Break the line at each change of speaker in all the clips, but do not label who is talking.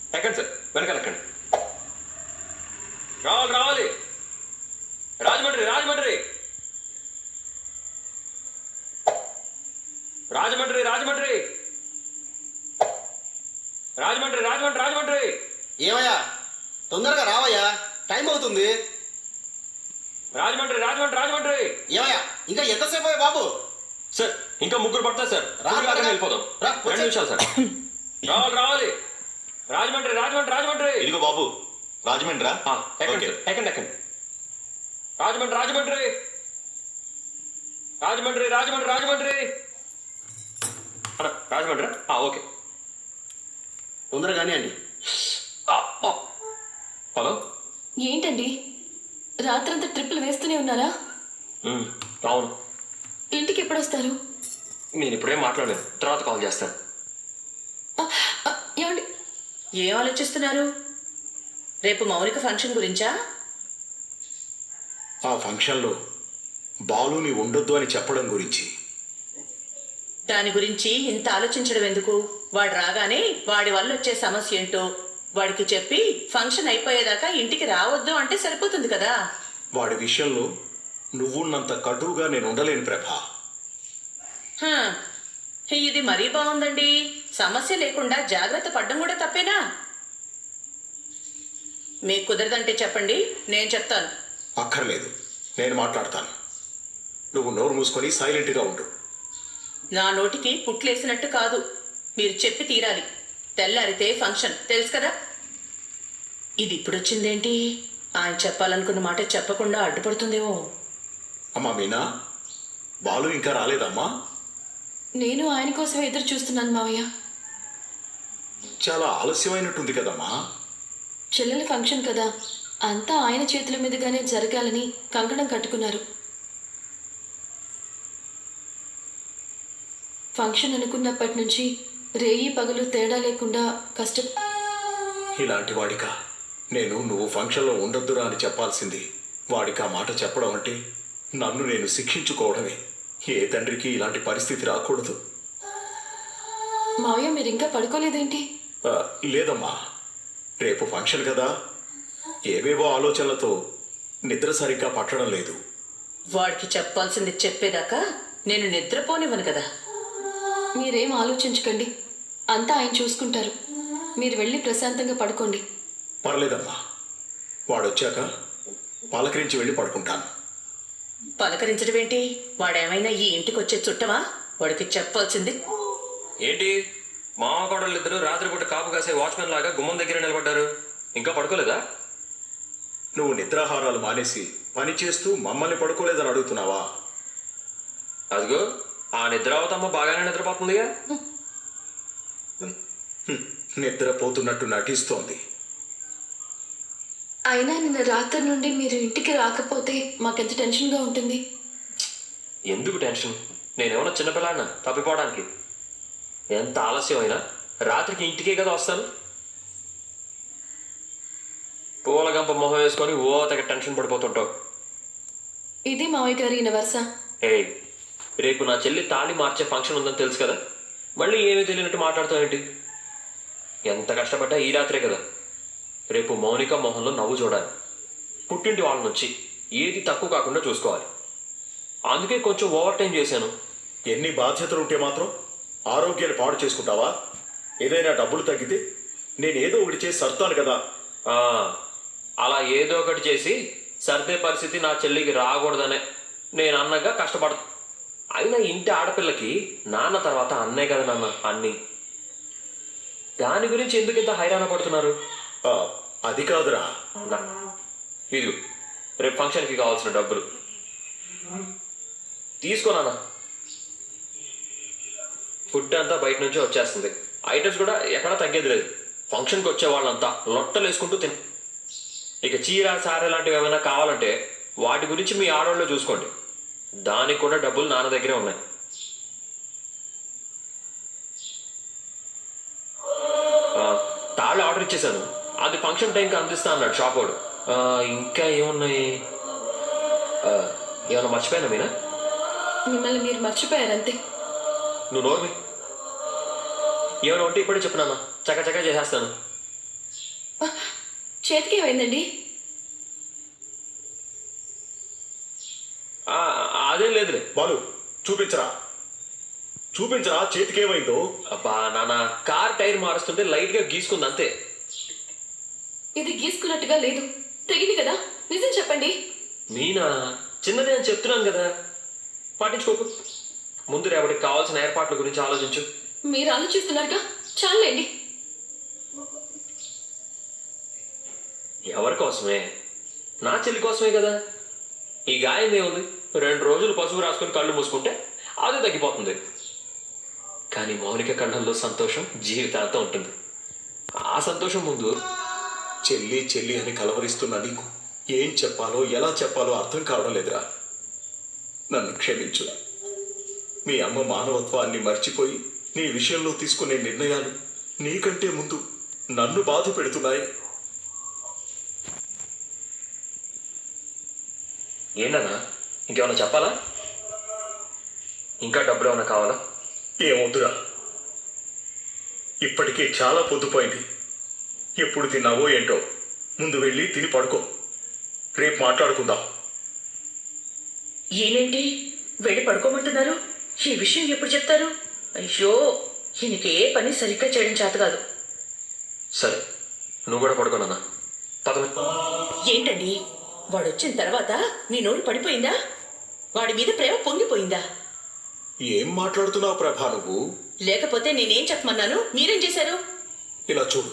ఎక్కండి సార్, వెనకాల ఎక్కండి. రావాలి రావాలి. రాజమండ్రి రాజమండ్రి రాజమండ్రి రాజమండ్రి రాజమండ్రి రాజమండ్రి రాజమండ్రి.
ఏమయ్యా, తొందరగా రావయ్యా, టైం అవుతుంది.
రాజమండ్రి రాజమండ్రి రాజమండ్రి.
ఏమయ్యా, ఇంకా ఎంతసేపు అయ్యా బాబు?
సార్ ఇంకా ముగ్గురు పడతారు సార్. వెళ్ళిపోదాం.
రా,
2 నిమిషాలు సార్. రావాలి రావాలి. రాజమండ్రి రాజమండ్రి రాజమండ్రి.
ఇదిగో బాబు, రాజమండ్రా?
ఎక్కండి సార్, ఎక్కండి ఎక్కండి. రాజమండ్రి రాజమండ్రి రాజమండ్రి రాజమండ్రి రాజమండ్రి. రాజమండ్రి ఓకే.
తొందరగానే అండి.
హలో,
ఏంటండి రాత్రంతా ట్రిప్పులు వేస్తూనే ఉన్నారా?
అవును.
ఇంటికి ఎప్పుడు వస్తారు?
నేను ఇప్పుడేం మాట్లాడలేను, తర్వాత కాల్ చేస్తాను.
ఏమండి,
ఏం ఆలోచిస్తున్నారు? రేపు మౌనిక ఫంక్షన్ గురించా?
ఆ ఫంక్షన్లో బాలుని ఉండొద్దు అని చెప్పడం గురించి.
దాని గురించి ఇంత ఆలోచించడం ఎందుకు? వాడు రాగానే వాడి వల్ల వచ్చే సమస్య ఏంటో వాడికి చెప్పి ఫంక్షన్ అయిపోయేదాకా ఇంటికి రావద్దు అంటే సరిపోతుంది కదా.
వాడి విషయంలో నువ్వున్నంత కటువుగా నేను ఉండలేను ప్రభా.
హ, ఇది మరీ బాగుందండి. సమస్య లేకుండా జాగ్రత్త పడ్డం కూడా తప్పేనా? మీకు కుదరదంటే చెప్పండి, నేను చెప్తాను.
అక్కర్లేదు, నేను మాట్లాడతాను. నువ్వు నోరు మూసుకొని సైలెంట్గా ఉండు.
నా నోటికి పుట్లేసినట్టు కాదు, మీరు చెప్పి తీరాలి. తెల్లారితే ఫంక్షన్, తెలుసు కదా. ఇది ఇప్పుడొచ్చిందేంటి? ఆయన చెప్పాలనుకున్న మాట చెప్పకుండా అడ్డుపడుతుందేమో.
అమ్మా మీనా, బాలు ఇంకా రాలేదమ్మా?
నేను ఆయన కోసమే ఎదురు చూస్తున్నాను మావయ్య.
చాలా ఆలస్యమైనట్టుంది కదమ్మా.
చెల్లెల ఫంక్షన్ కదా, అంతా ఆయన చేతుల మీదుగానే జరగాలని కంకణం కట్టుకున్నారు. ఫంక్షన్ అనుకున్నప్పటి నుంచి రేయి పగలు తేడా లేకుండా
ఇలాంటి వాడికా నేను నువ్వు ఫంక్షన్లో ఉండొద్దురా అని చెప్పాల్సింది? వాడికి ఆ మాట చెప్పడం అంటే నన్ను నేను శిక్షించుకోవడమే. ఏ తండ్రికి ఇలాంటి పరిస్థితి రాకూడదు.
మావయ్య, మీరు ఇంకా పడుకోలేదేంటి?
లేదమ్మా, రేపు ఫంక్షన్ కదా, ఏవేవో ఆలోచనలతో నిద్ర సరిగ్గా పట్టడం లేదు.
వాడికి చెప్పాల్సింది చెప్పేదాకా నేను నిద్రపోనివ్వను కదా.
మీరేం ఆలోచించకండి, అంతా ఆయన చూసుకుంటారు. మీరు వెళ్ళి ప్రశాంతంగా పడుకోండి.
పర్లేదమ్మా, వాడొచ్చాక పలకరించి వెళ్ళి పడుకుంటాను.
పలకరించడం ఏంటి? వాడేమైనా ఈ ఇంటికి వచ్చే చుట్టమా? వాడికి చెప్పాల్సింది.
ఏంటి మామ కోడళ్ళు ఇద్దరు రాత్రిపూట కాపు కాసే వాచ్మెన్ లాగా గుమ్మం దగ్గర నిలబడ్డారు? ఇంకా పడుకోలేదా?
నువ్వు నిద్రాహారాలు మానేసి పని చేస్తూ మమ్మల్ని పడుకోలేదని అడుగుతున్నావా?
అదిగో ఆ నిద్రావతమ్మ బాగానే నిద్రపోతుందిగా.
నిద్రపోతున్నట్టు నటిస్తోంది.
అయినా నిన్న రాత్రి నుండి మీరు ఇంటికి రాకపోతే మాకెంత టెన్షన్గా ఉంటుంది.
ఎందుకు టెన్షన్? నేనేమన్నా చిన్నపిల్లాడినా తప్పిపోవడానికి? ఎంత ఆలస్యం అయినా రాత్రికి ఇంటికే కదా వస్తాను. పూలగంప మొహం వేసుకొని తెగ టెన్షన్ పడిపోతుంటావు.
ఇది మావయ్య గారి వరుస.
రేపు నా చెల్లి తాళి మార్చే ఫంక్షన్ ఉందని తెలుసు కదా, మళ్ళీ ఏమీ తెలియనట్టు మాట్లాడుతావు ఏంటి? ఎంత కష్టపడ్డా ఈ రాత్రే కదా. రేపు మౌనిక మొహంలో నవ్వు చూడాలి. పుట్టింటి వాళ్ళ నుంచి ఏది తక్కువ కాకుండా చూసుకోవాలి. అందుకే కొంచెం ఓవర్ టైం చేశాను.
ఎన్ని బాధ్యతలు ఉంటే మాత్రం ఆరోగ్యాన్ని పాడు చేసుకుంటావా? ఏదైనా డబ్బులు తగ్గితే నేను ఏదో ఒకటి చేసి సర్తాను కదా.
అలా ఏదో ఒకటి చేసి సర్దే పరిస్థితి నా చెల్లికి రాకూడదనే నేను అన్నగా కష్టపడతా. అయినా ఇంటి ఆడపిల్లకి నాన్న తర్వాత అన్నే కదా నాన్న అన్నీ. దాని గురించి ఎందుకు ఇంత హైరాణ పడుతున్నారు?
అది కాదురా.
ఇది రేపు ఫంక్షన్కి కావాల్సిన డబ్బులు తీసుకోనా. ఫుడ్ అంతా బయట నుంచే వచ్చేస్తుంది, ఐటమ్స్ కూడా ఎక్కడా తగ్గేది లేదు. ఫంక్షన్కి వచ్చే వాళ్ళంతా లొట్టలు వేసుకుంటూ ఇక చీర సారె లాంటివి ఏమైనా కావాలంటే వాటి గురించి మీ ఆడవాళ్ళు చూసుకోండి. దానికి కూడా డబ్బులు నాన్న దగ్గరే ఉన్నాయి. తాళ్ళు ఆర్డర్ ఇచ్చేసాను, అది ఫంక్షన్ టైంకి అందిస్తా అన్నాడు షాప్ వాడు. ఇంకా ఏమున్నాయి? ఏమన్నా మర్చిపోయానా మీనా?
మిమ్మల్ని మీరు మర్చిపోయారంతే.
నువ్వు నోర్మి. ఏమైనా ఉంటే ఇప్పుడే చెప్పు నాన్న, చక్కచక్క చేసేస్తాను.
చేతికి ఏమైందండి?
ఆ, అదేం లేదులే.
బాలు చూపించరా, చూపించరా చేతికేమైందో.
అబ్బా నాన్న, కార్ టైర్ మారుస్తుంటే లైట్ గా గీసుకుంది అంతే.
ఇది గీసుకున్నట్టుగా లేదు. తెగింది కదా, నిజం చెప్పండి.
మీనా, చిన్నదే అని చెప్తున్నాను కదా, పట్టించుకోకు. ముందు రేపటికి కావాల్సిన ఏర్పాట్ల గురించి ఆలోచించు.
మీరు ఆలోచిస్తున్నారుగా, చాలండి.
ఎవరి కోసమే? నా చెల్లి కోసమే కదా. ఈ గాయం ఏముంది, 2 రోజులు పసుపు రాసుకొని కళ్ళు మూసుకుంటే అదే తగ్గిపోతుంది. కానీ మౌనిక కళ్ళల్లో సంతోషం జీవితాంతం ఉంటుంది. ఆ సంతోషం ముందు
చెల్లి చెల్లి అని కలవరిస్తున్నా నీకు ఏం చెప్పాలో ఎలా చెప్పాలో అర్థం కావడం లేదురా. నన్ను క్షమించు. మీ అమ్మ మానవత్వాన్ని మర్చిపోయి నీ విషయంలో తీసుకునే నిర్ణయాలు నీకంటే ముందు నన్ను బాధ పెడుతున్నాయి.
ఏంటన్నా, ఇంకేమన్నా చెప్పాలా? ఇంకా డబ్బులు ఏమన్నా కావాలా?
ఏమవుతురా, ఇప్పటికే చాలా పొద్దుపోయింది. ఎప్పుడు తిన్నావో ఏంటో, ముందు వెళ్ళి తిని పడుకో. రేపు మాట్లాడుకుందాం.
ఈయనేంటి వెళ్ళి పడుకోమంటున్నారు? ఈ విషయం ఎప్పుడు చెప్తారు? అయ్యో, ఈయనకి ఏ పని సరిగ్గా చేయడం చేత కాదు.
సరే, నువ్వు కూడా పడుకోనన్నా. పదవి.
ఏంటండి, వాడు వచ్చిన తర్వాత మీ నోరు పడిపోయిందా? వాడి మీద ప్రేమ పొంగిపోయిందా?
ఏం మాట్లాడుతున్నావు ప్రభా నువ్వు?
లేకపోతే నేనేం చెప్పమన్నాను, మీరేం చేశారు?
ఇలా చూడు,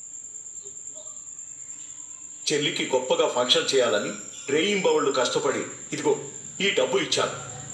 చెల్లికి గొప్పగా ఫంక్షన్ చేయాలని రేయింబవళ్ళు కష్టపడి ఇదిగో ఈ డబ్బులు ఇచ్చాను.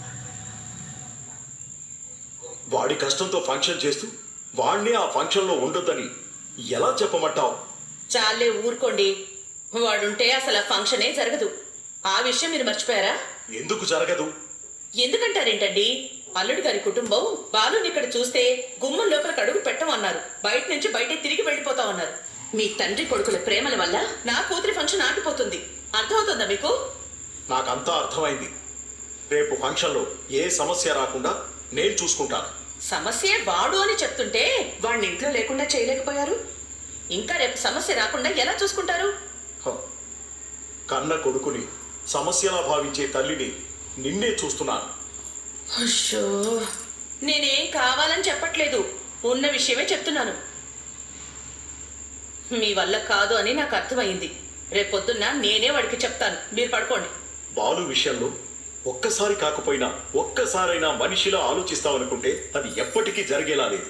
వాడి కష్టంతో ఫంక్షన్ చేస్తూ వాణ్ణే ఆ ఫంక్షన్లో ఉండొద్దని ఎలా చెప్పమంటావు?
చాలే ఊరుకోండి. వాడుంటే అసలు ఆ ఫంక్షనే జరగదు. ఆ విషయం మీరు మర్చిపోయారా?
ఎందుకు జరగదు?
ఎందుకంటారేంటండి? అల్లుడి గారి కుటుంబం బాలుని ఇక్కడ చూస్తే గుమ్మం లోపలికి అడుగు పెట్టమన్నారు. బయట నుంచి బయటే తిరిగి వెళ్ళిపోతామన్నారు. మీ తండ్రి కొడుకుల ప్రేమల వల్ల నా కూతురి ఫంక్షన్ ఆగిపోతుంది. అర్థమవుతుందా మీకు?
నాకంతా అర్థమైంది. రేపు ఫంక్షన్లో ఏ సమస్య రాకుండా నేను చూసుకుంటాను.
సమస్య వాడు అని చెప్తుంటే వాడిని ఇంట్లో లేకుండా చేయలేకపోయారు. ఇంకా రేపు సమస్య రాకుండా ఎలా చూసుకుంటారు?
హ, కన్న కొడుకుని సమస్యలా భావించే తల్లిని నిన్నే చూస్తున్నాను.
అయ్యో, నేనేం కావాలని చెప్పట్లేదు, ఉన్న విషయమే చెప్తున్నాను. మీ వల్ల కాదు అని నాకు అర్థమైంది. రేపొద్దున్న నేనే వాడికి చెప్తాను. మీరు పడుకోండి.
బాలు విషయంలో ఒక్కసారి కాకపోయినా ఒక్కసారైనా మనిషిలా ఆలోచిస్తావనుకుంటే అది ఎప్పటికీ జరిగేలా లేదు.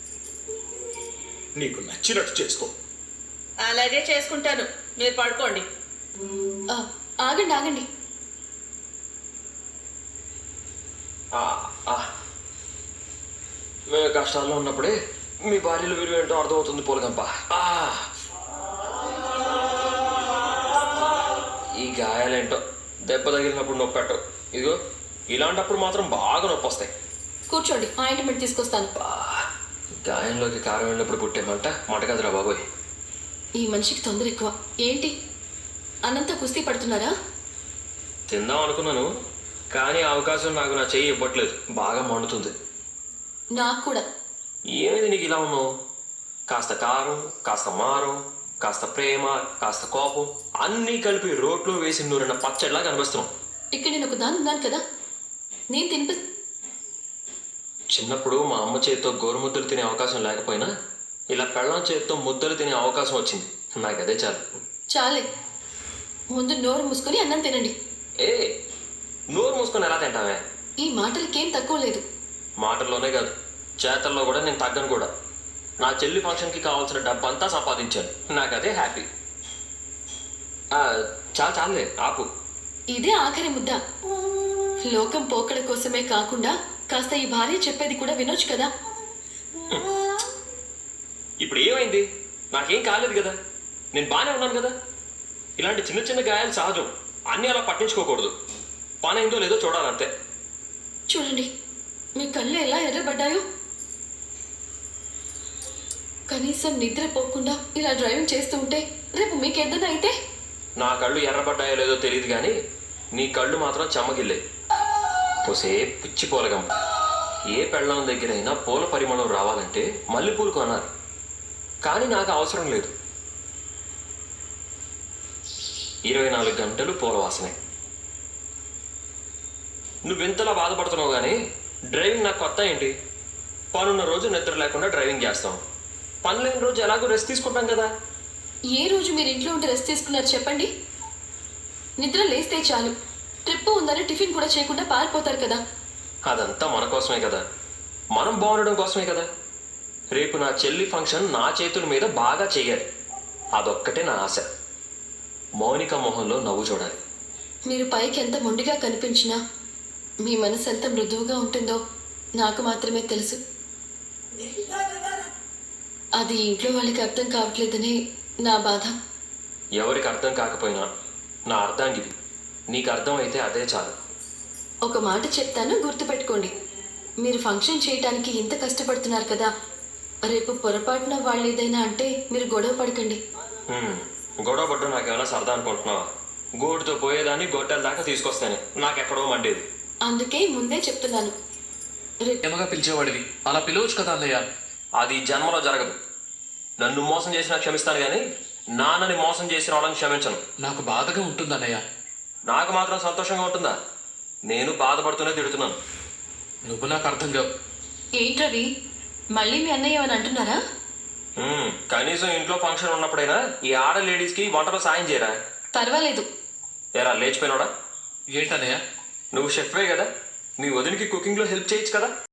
నీకు నచ్చినట్టు చేసుకో.
అలాగే చేసుకుంటాను. మీరు పడుకోండి.
ఆ, ఆగండి ఆగండి.
మేము కష్టాల్లో ఉన్నప్పుడే మీ భార్యలు విలువ ఏంటో అర్థమవుతుంది పోలగంప. ఈ గాయాలేంటో దెబ్బ తగిలినప్పుడు నొప్పి పెట్టవు. ఇదిగో ఇలాంటప్పుడు మాత్రం బాగా నొప్పి వస్తాయి.
కూర్చోండి, ఆయింట్మెంట్ తీసుకొస్తాను.
గాయంలోకి కారం వెళ్ళినప్పుడు పుట్టేమంట మాట కదరా బాబోయ్.
ఈ మనిషికి తొందర ఎక్కువ. ఏంటి, అన్నంతా కుస్తీ పడుతున్నారా?
తిందాం అనుకున్నాను, కానీ ఆ అవకాశం నాకు నా చెయ్యి ఇవ్వట్లేదు. బాగా మండుతుంది.
నాకు కూడా.
ఏమైంది నీకు ఇలా ఉన్నావు? కాస్త కారం, కాస్త మారం, కాస్త ప్రేమ, కాస్త కోపం అన్నీ కలిపి రోట్లో వేసి నూరిన పచ్చడిలా కనిపిస్తున్నావు.
ఇక్కడ నేను ఒక దాని ఉన్నాను కదా, నేను తినిపి.
చిన్నప్పుడు మా అమ్మ చేతితో గోరుముద్దలు తినే అవకాశం లేకపోయినా ఇలా పెళ్ళాం చేతితో ముద్దలు తినే అవకాశం వచ్చింది. నాకు అదే చాలు.
చాలే, ముందు నోరు మూసుకొని అన్నం తినండి.
ఏ, నోరు మూసుకొని ఎలా తింటావే?
ఈ మాటలకేం తక్కువ లేదు.
మాటల్లోనే కాదు, చేతల్లో కూడా నేను తగ్గను కూడా. నా చెల్లి ఫంక్షన్కి కావాల్సిన డబ్బంతా సంపాదించాను. నాకు అదే హ్యాపీ. చాలే ఆపు.
ఇదే ఆఖరి ముద్ద. లోకం పోకడ కోసమే కాకుండా కాస్త ఈ భార్య చెప్పేది కూడా వినొచ్చు కదా.
ఇప్పుడు ఏమైంది? నాకేం కాలేదు కదా, నేను బాగానే ఉన్నాను కదా. ఇలాంటి చిన్న చిన్న గాయాలు సహజం, అన్నీ అలా పట్టించుకోకూడదు. పని అయిందో లేదో చూడాలంతే.
చూడండి, మీ కళ్ళు ఎలా ఎర్రబడ్డాయో. కనీసం నిద్ర పోకుండా ఇలా డ్రైవింగ్ చేస్తూ ఉంటే రేపు మీకేదన్నా అయితే?
నా కళ్ళు ఎర్రబడ్డాయో లేదో తెలియదు కానీ నీ కళ్ళు మాత్రం చెమ్మగిల్లే. పోసే పిచ్చి పూలగం. ఏ పెళ్ళం దగ్గరైనా పూల పరిమళం రావాలంటే మల్లెపూలు కొనాలి, కానీ నాకు అవసరం లేదు. 24 గంటలు పూలవాసనే. నువ్వెంతలా బాధపడుతున్నావు కానీ డ్రైవింగ్ నాకు కొత్త ఏంటి? పనున్న రోజు నిద్ర లేకుండా డ్రైవింగ్ చేస్తాం, పని లేని రోజు ఎలాగో రెస్ట్ తీసుకుంటాం కదా.
ఏ రోజు మీరు ఇంట్లో ఉంటే రెస్ట్ తీసుకున్నారు చెప్పండి? నిద్ర లేస్తే చాలు, ట్రిప్ ఉందని టిఫిన్ కూడా చేయకుండా పారిపోతారు కదా.
అదంతా మన కోసమే కదా, మనం బాగుండడం కోసమే కదా. రేపు నా చెల్లి ఫంక్షన్ నా చేతుల మీద బాగా చెయ్యాలి, అదొక్కటే నా ఆశ. మౌనిక మొహంలో నవ్వు చూడాలి.
మీరు పైకి ఎంత మొండిగా కనిపించినా మీ మనసు ఎంత మృదువుగా ఉంటుందో నాకు మాత్రమే తెలుసు. అది ఇంట్లో వాళ్ళకి అర్థం కావట్లేదని నా బాధ.
ఎవరికి అర్థం కాకపోయినా నా అర్థాంగిది నీకు అర్థమైతే అదే చాలు.
ఒక మాట చెప్తాను, గుర్తుపెట్టుకోండి. మీరు ఫంక్షన్ చేయటానికి ఇంత కష్టపడుతున్నారు కదా, రేపు పొరపాటున వాళ్ళు ఏదైనా అంటే మీరు గొడవ పడకండి.
గొడవ పడ్డం నాకేమైనా సరదా అనుకుంటున్నావా? గోటుతో పోయేదాన్ని గొడ్డల దాకా తీసుకొస్తాను, నాకెక్కడో మండేది.
అందుకే ముందే చెప్తున్నాను, రేపు
ప్రేమగా పిలిచేవాడివి, అలా పిలవచ్చు కదా అన్నయ్య.
అది జన్మలో జరగదు. నన్ను మోసం చేసినా క్షమిస్తాను కానీ నాన్నని మోసం చేసిన వాళ్ళని క్షమించను.
నాకు బాధగా ఉంటుంది అన్నయ్య.
నాకు మాత్రం సంతోషంగా ఉంటుందా? నేను బాధపడుతూనే తిడుతున్నాను.
నువ్వు నాకు అర్థం కావు.
ఏంటవి మళ్ళీ మీ అన్నయ్య ఏమని అంటున్నారా?
కనీసం ఇంట్లో ఫంక్షన్ ఉన్నప్పుడైనా ఈ ఆడ లేడీస్కి వంటలో సాయం చేయరా?
పర్వాలేదు.
ఏరా లేచిపోయినోడా?
ఏంటన్నయ్య?
నువ్వు షెఫ్వే కదా, మీ వదినికి కుకింగ్లో హెల్ప్ చేయొచ్చు కదా.